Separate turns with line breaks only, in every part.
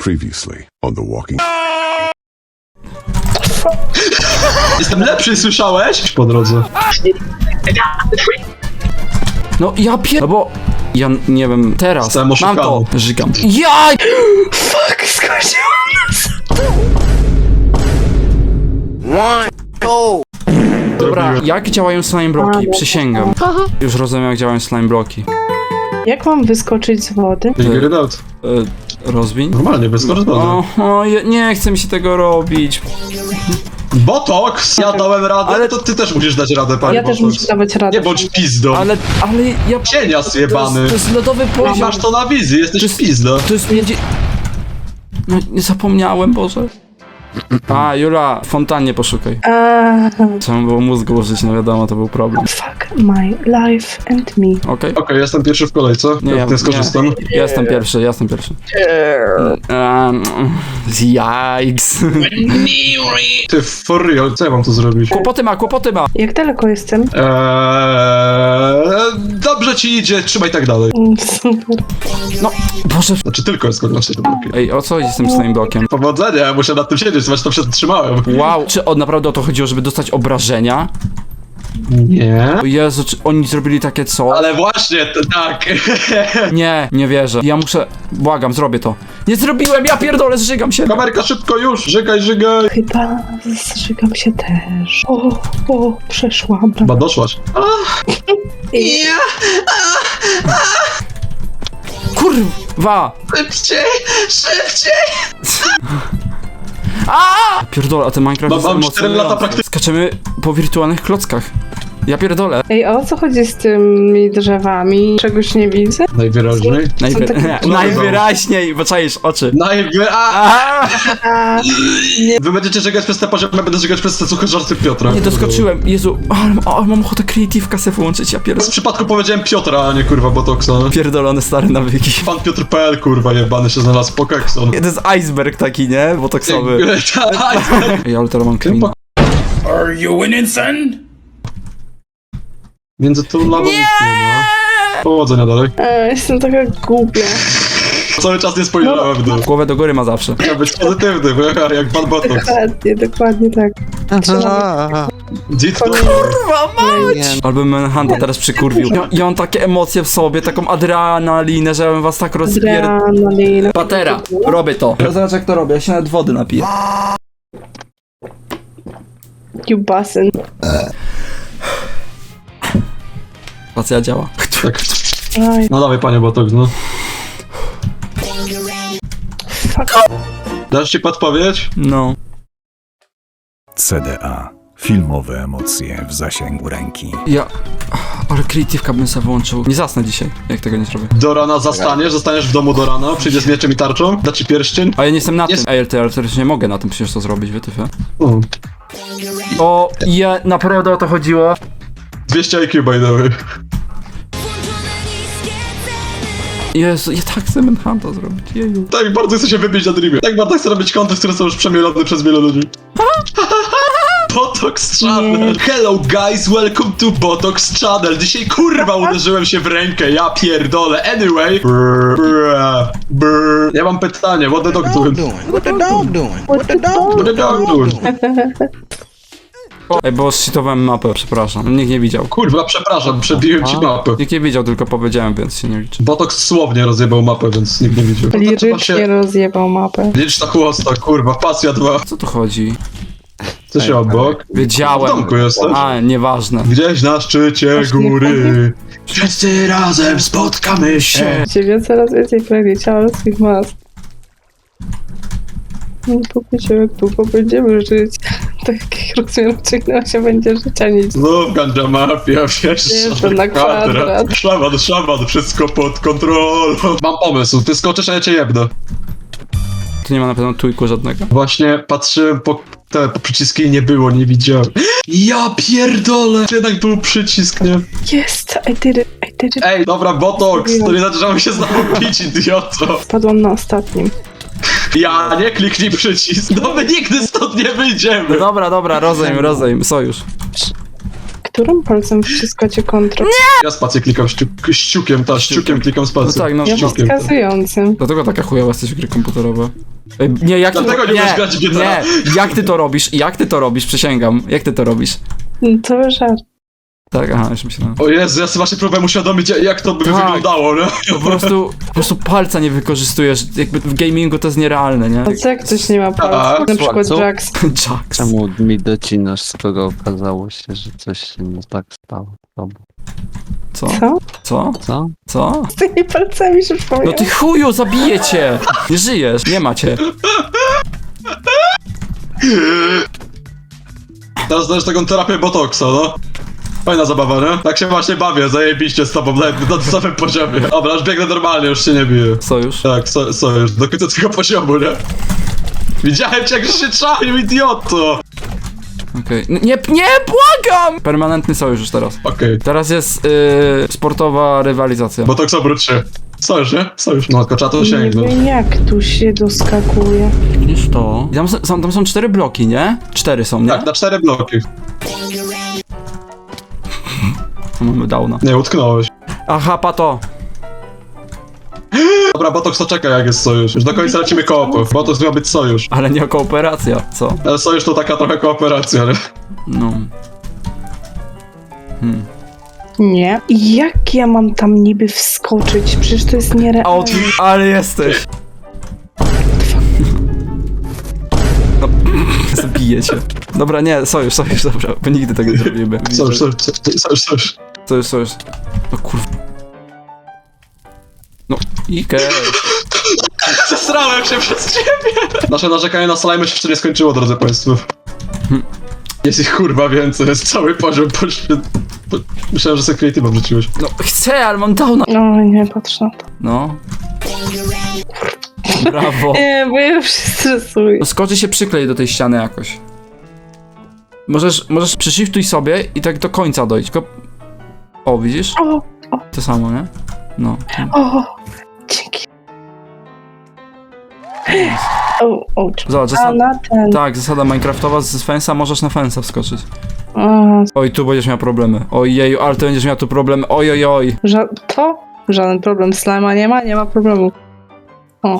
Previously on The Walking.
Jestem lepszy, słyszałeś? Po drodze.
No ja no bo... Ja nie wiem, teraz
Zostałem
mam to,
oszukany.
żygam. Jaj! Fuck, skończyło nas! Dobra, jak działają slime bloki? Przysięgam. Już rozumiem, jak działają slime bloki.
Jak mam wyskoczyć z wody?
Figure it out.
Rozwiń?
Normalnie, bez korytarza.
Nie chce mi się tego robić.
Botox! Ja dałem radę,
Ale-
ale to ty też musisz dać radę, panie
Ja też
Botox.
muszę dawać radę.
Nie bądź pizdą.
Ale ja...
Cienias jebany.
To jest lodowy poziom.
Masz to na wizji, jesteś
To jest-
pizda.
To jest między... No, nie zapomniałem, Boże. A, Jula, w fontannie poszukaj. Trzeba było mózg użyć, no wiadomo, to był problem.
Fuck my life and me.
Okej?
Okej, jestem pierwszy w kolejce. Nie skorzystam.
Ja jestem pierwszy. Jajks.
Ty, for real, co ja mam tu zrobić?
Kłopoty ma.
Jak daleko jestem?
Dobrze ci idzie, trzymaj tak dalej.
Super.
No, Boże.
Znaczy tylko jest kogoś tego blokiem.
Ej, o co chodzi z tym slime blokiem?
Powodzenia, muszę nad tym siedzieć, zobacz, to przetrzymałem.
Wow, czy naprawdę o to chodziło, żeby dostać obrażenia?
Nie.
O Jezu, czy oni zrobili takie co?
Ale właśnie, tak.
Nie wierzę. Ja muszę... Błagam, zrobię to. Nie zrobiłem, ja pierdolę, zżygam się.
Kamerka, szybko już, żygaj.
Chyba zżygam się też. O, przeszłam.
Chyba doszłaś.
Kurwa!
Szybciej!
Pierdolę, a ten Minecraft jest
Mam 4 lata
emocjonujący.
praktyki.
Skaczemy po wirtualnych klockach. Ja pierdolę.
Ej, o co chodzi z tymi drzewami? Czegoś nie widzę?
Najwyraźniej.
takie-
Najwyraźniej, bo czaisz oczy.
Wy będziecie żegać przez te poziomy, będę żegać przez te suche żarty Piotra.
Nie doskoczyłem. Jezu, ale mam ochotę creative'ka se włączyć, ja
W
pierdolę.
przypadku powiedziałem Piotra, a nie kurwa Botoxa.
Pierdolone stare nawyki.
Pan Piotr.pl kurwa jebany się znalazł, Pokekson.
To jest iceberg taki, nie? Botoksowy. Ej, ale teraz mam clean.
Are you winning, son?
Między tą lawą nie ma. Powodzenia dalej.
Jestem taka głupia.
Cały czas nie spojrzałem w dół.
Głowę do góry ma zawsze.
Chciał być pozytywny, bo jak pan Botox.
Dokładnie tak.
Dzit
Albo Manhunta teraz przykurwił. Ja mam takie emocje w sobie, taką adrenalinę, że ja bym was tak
Adrenalina.
Patera, robię to. Zobacz jak to robię, ja się nawet wody napiję.
You bussin'.
Spacja działa.
Tak.
Aj,
No dawaj panie Botox, no.
fuck.
Dasz ci podpowiedź?
No.
CDA. Filmowe emocje w zasięgu ręki.
Ale creative'ka bym sobie włączył. Nie zasnę dzisiaj, jak tego nie zrobię.
Do rana zostaniesz w domu do rana, przyjdzie z mieczem i tarczą, da ci pierścień.
A ja nie jestem na
Jest-
tym. Ej, ale też nie mogę na tym przecież to zrobić, wytyfę.
O,
O, ja naprawdę o to chodziło.
200 IQ by the way.
Jezu, ja tak chcę Manhunta zrobić, jeju.
Tak bardzo chcę się wybić na Dreamie. Tak bardzo chcę robić konty, które są już przemielone przez wiele ludzi. Botox Channel. Hello guys, welcome to Botox Channel. Dzisiaj kurwa uderzyłem się w rękę, ja pierdolę. Anyway. Ja mam pytanie, what the dog doing?
What the dog doing? What the dog
What the dog doing?
Ej, bo zcheatowałem mapę, przepraszam. Nikt nie widział.
Kurwa, przepraszam, przebiłem ci mapę.
Nikt nie widział, tylko powiedziałem, więc się nie liczy.
Botox słownie rozjebał mapę, więc nikt nie widział. To trzeba
Lirycznie
się...
rozjebał mapę.
Licz na chłosta, kurwa, pasja 2.
Co tu chodzi?
Co się obok? W
Wiedziałem.
domku jesteś?
A, nieważne.
Gdzieś na szczycie góry. Wszyscy razem spotkamy się.
Ciebie coraz więcej pragnie ciała ludzkich mas. No popycie, jak długo będziemy żyć. Tak jak rozumiem, ciągnęła się będzie życia nic.
Znów ganja mafia, wiesz,
Jestem na kwadrat.
Szlaban, wszystko pod kontrolą. Mam pomysł, ty skoczysz, a ja cię jebnę.
Tu nie ma na pewno tujku żadnego.
Właśnie patrzyłem po przyciski i nie było, nie widziałem. Ja pierdolę! Jednak był przycisk, nie?
Jest, I did it.
Ej, dobra, Botox, to nie znaczy, że mamy się znowu pić, idioto.
Spadłam na ostatnim.
Ja, nie kliknij przycisk, no my nigdy stąd nie wyjdziemy.
Dobra, rozejm, sojusz.
Którym palcem wciskacie kontrol?
Ja spację klikam ściukiem klikam spację.
No tak, no.
Ja
Ściukiem.
wskazującym.
Dlatego taka chujowa jesteś w gry komputerowe. Nie, jak ty
Dlatego nie umiesz grać w GTA.
nie, jak ty to robisz? Jak ty to robisz? Przysięgam. Jak ty to robisz?
No to żart.
Tak, aha, już myślałem.
O Jezu, ja sobie właśnie próbowałem uświadomić, jak to by
Tak.
wyglądało, nie?
Po prostu palca nie wykorzystujesz. Jakby w gamingu to jest nierealne, nie?
A co jak ktoś nie ma
Tak.
palca? Na przykład
Co?
Jax.
Jax.
Czemu mi docinasz, skoro okazało się, że coś się nie tak stało z tobą?
Co?
Co?
Co?
Co?
Co?
Z tymi palcami się
No
przypomniał.
ty chuju, zabiję cię! Nie żyjesz, nie macie.
Teraz dajesz taką terapię botoksa, no. Fajna zabawa, nie? Tak się właśnie bawię, zajebiście z tobą, nawet na tym samym poziomie. Dobra, już biegnę normalnie, już się nie biję.
Sojusz?
Tak, sojusz, do końca tego poziomu, nie? Widziałem cię, jak się czaił, idioto!
Okej. Nie, błagam! Permanentny sojusz już teraz.
Okej.
Teraz jest sportowa rywalizacja.
Botoks obróć się. Sojusz, nie? Sojusz. No, tylko trzeba to
Nie
sięgnąć.
wiem jak tu się doskakuje.
Widzisz to? Tam są 4 bloki, nie? 4 są, nie?
Tak, na 4 bloki.
Mamy downa.
Nie, utknąłeś.
Aha, pato.
Dobra, Botoks to czeka, jak jest sojusz. Już do końca lecimy koopy. Botoks miał być sojusz.
Ale nie kooperacja, co?
Ale sojusz to taka trochę kooperacja, nie?
No.
Nie. I jak ja mam tam niby wskoczyć? Przecież to jest nierealne.
Ale jesteś. No, zabiję cię. Dobra, nie, sojusz, dobra, bo nigdy tego nie zrobimy.
Sojusz.
Sojusz. No kurwa. No, Ike.
Zesrałem się przez ciebie! Nasze narzekanie na slime się jeszcze nie skończyło, drodzy państwo. Jest ich kurwa więcej, jest cały poziom Myślałem, że sobie creative'a wrzuciłeś.
No, chcę, ale mam downa.
No nie patrz na to.
No. Brawo.
Nie, bo ja już się stresuję.
No skoczy się przyklej do tej ściany jakoś. Możesz przyshiftuj sobie i tak do końca dojść, tylko... O, widzisz?
O,
To samo, nie? No.
o, dzięki. O,
Zobacz,
a na ten.
tak, zasada minecraftowa z fensa możesz na fensa wskoczyć.
A,
Oj, tu będziesz miał problemy. Ojeju, ale ty będziesz miał tu problemy. Ojojoj.
to? Żaden problem. Slima nie ma problemu. O.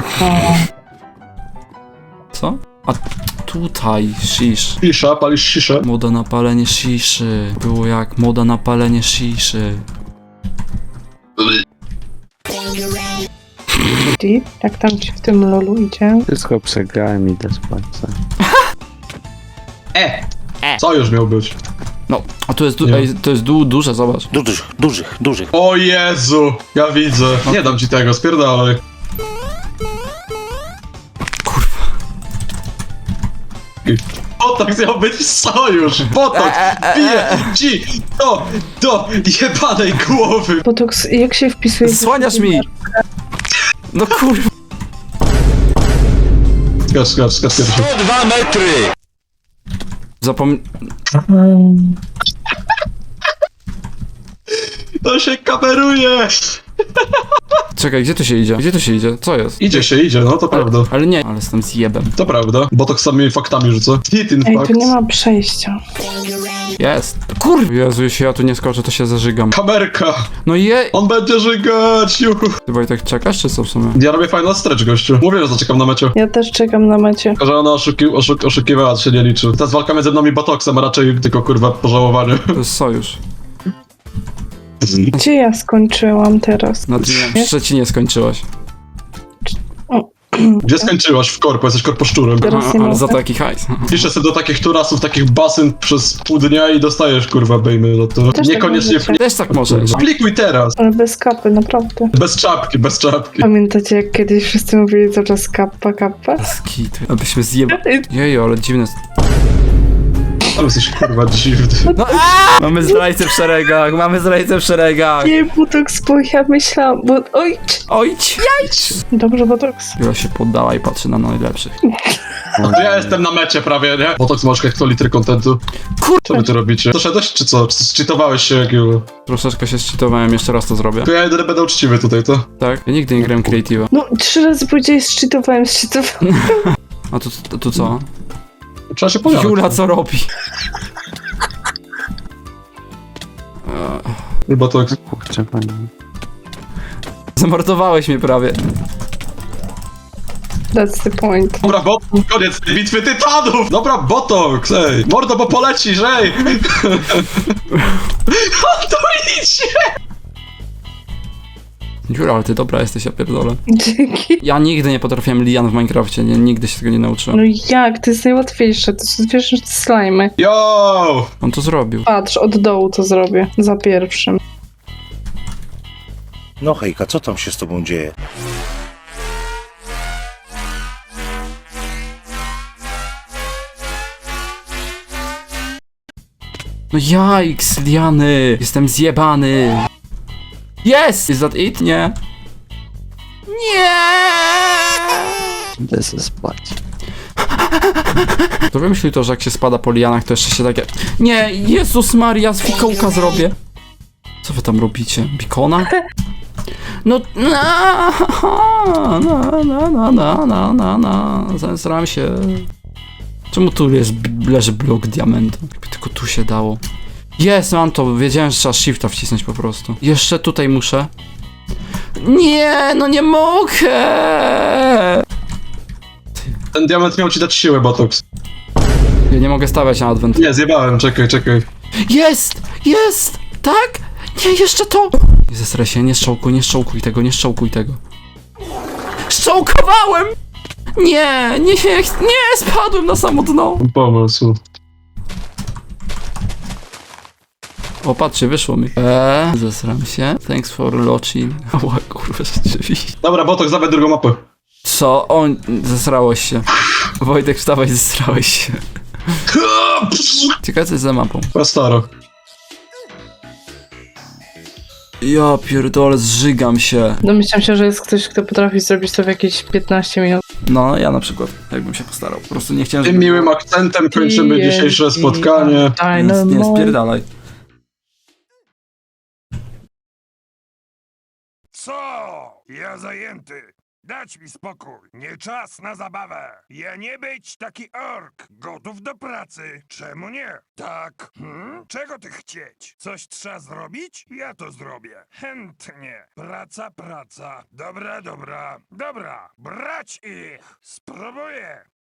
Co? A tutaj, shish.
Shisha, palisz shisha.
Moda na palenie shiszy. Było jak moda na palenie shiszy.
Jak tam ci w tym lolu idzie?
Wszystko przegrałem, idę spać.
Sojusz miał być.
No, a tu jest,
Nie.
ej, to jest duże, zobacz.
Dużych.
O Jezu, ja widzę. Nie dam ci tego, spierdalaj.
Kurwa.
Botoks miał być sojusz. Botoks bije ci do jebanej głowy.
Botoks, jak się wpisuje?
Słaniasz mi! No kurwa.
Skacz pierwszy. To się kameruje.
Czekaj, gdzie tu się idzie? Gdzie tu się idzie? Co jest?
Idzie, no to prawda.
Ale nie, ale jestem zjebem.
To prawda. Botoks samymi faktami rzuca. Hit in
Ej,
fact.
tu nie ma przejścia.
Jest. Kurwa. Jezu, jeśli ja tu nie skoczę, to się zażygam.
Kamerka.
No je...
On będzie żygać. Juhu.
Ty Wojtek czekasz, czy co w sumie?
Ja robię final stretch, gościu. Mówię, że zaczekam na mecie.
Ja też czekam na mecie.
Tylko, że ona oszukiwała, to się nie liczy. Ta walka między mną i Botoksem, a raczej tylko kurwa pożałowanie.
To jest sojusz.
Gdzie ja skończyłam teraz?
Na w Szczecinie skończyłaś.
Gdzie skończyłaś? W korpo, jesteś korposzczurem.
Teraz nie
Ale za
mogę.
taki hajs.
Piszę sobie do takich turasów, takich basyn przez pół dnia i dostajesz kurwa bejmy za to.
Też
Niekoniecznie
tak możecie.
Też tak możesz.
Aplikuj teraz.
Ale bez kapy, naprawdę.
Bez czapki, bez czapki.
Pamiętacie, jak kiedyś wszyscy mówili cały czas kappa?
Skity. Abyśmy zjebali. Jeju, ale dziwne.
Ale jesteś kurwa dziwny.
No, mamy zdrajcę w szeregach,
Nie, Botoks, bo ja myślałam, bo... Oj!
Ojć.
Dobrze, Botoks.
Jula się poddała i patrzy na najlepszych.
Ja jestem na mecie prawie, nie? Botoks masz hektolitry kontentu. Co wy tu robicie? Doszedłeś czy co? Czy zcheatowałeś się jakiego?
Troszeczkę się zcheatowałem, jeszcze raz to zrobię.
To ja jedyny będę uczciwy tutaj, to?
Tak? Ja nigdy nie grałem creative'a.
No, 3 razy powiedziałeś, szczytowałem.
A tu co?
Trzeba się pojawić.
Jula co robi?
Botoks.
Kurczę, panie.
Zamordowałeś mnie prawie.
That's the point.
Dobra, Botox, koniec tej bitwy tytanów! Dobra, Botox, ej! Mordo, bo polecisz, ej! On to idzie!
Jura, ale ty dobra jesteś, ja pierdolę.
Dzięki.
Ja nigdy nie potrafiłem lian w Minecrafcie, nigdy się tego nie nauczyłem.
No jak? To jest najłatwiejsze. To jest łatwiejsze niż te slajmy.
Yo!
On to zrobił.
Patrz, od dołu to zrobię. Za pierwszym.
No hejka, co tam się z tobą dzieje?
No jajks, liany! Jestem zjebany! Yes! Is that it? Nie. Nie!
Idę se spać.
To wymyślił to, że jak się spada po lianach, to jeszcze się takie... Nie! Jezus Maria, z fikołka zrobię! Co wy tam robicie? Bikona? No... Zesram się. Czemu tu leży blok diamentu? Jakby tylko tu się dało. Jest, mam to. Wiedziałem, że trzeba shifta wcisnąć po prostu. Jeszcze tutaj muszę. Nie, no nie mogę!
Ten diament miał ci dać siłę, Botox.
Ja nie mogę stawiać na advent.
Nie, zjebałem, czekaj.
Jest! Jest! Tak? Nie, jeszcze to! Nie zesraj się, nie szczołkuj tego, nie szczołkuj tego. Szczołkowałem! Nie, spadłem na samo dno.
Pomysł.
O, patrzcie, wyszło mi. Zesram się. Thanks for watching. O, kurwa, rzeczywiście.
Dobra, Botox, dawaj drugą mapę.
Co? O, zesrałeś się. Wojtek, wstawaj, zesrałeś się. Ciekawe, co jest za mapą.
Chyba staro.
Ja pierdolę, zżygam się.
Domyślam się, że jest ktoś, kto potrafi zrobić to w jakieś 15 minut.
No, ja na przykład, jakbym się postarał. Po prostu nie chciałem,
Tym miłym akcentem kończymy dzisiejsze spotkanie.
Nie, spierdalaj.
Co? Ja zajęty. Dać mi spokój. Nie czas na zabawę. Ja nie być taki ork. Gotów do pracy. Czemu nie? Tak. Czego ty chcieć? Coś trzeba zrobić? Ja to zrobię. Chętnie. Praca. Dobra. Brać ich. Spróbuję.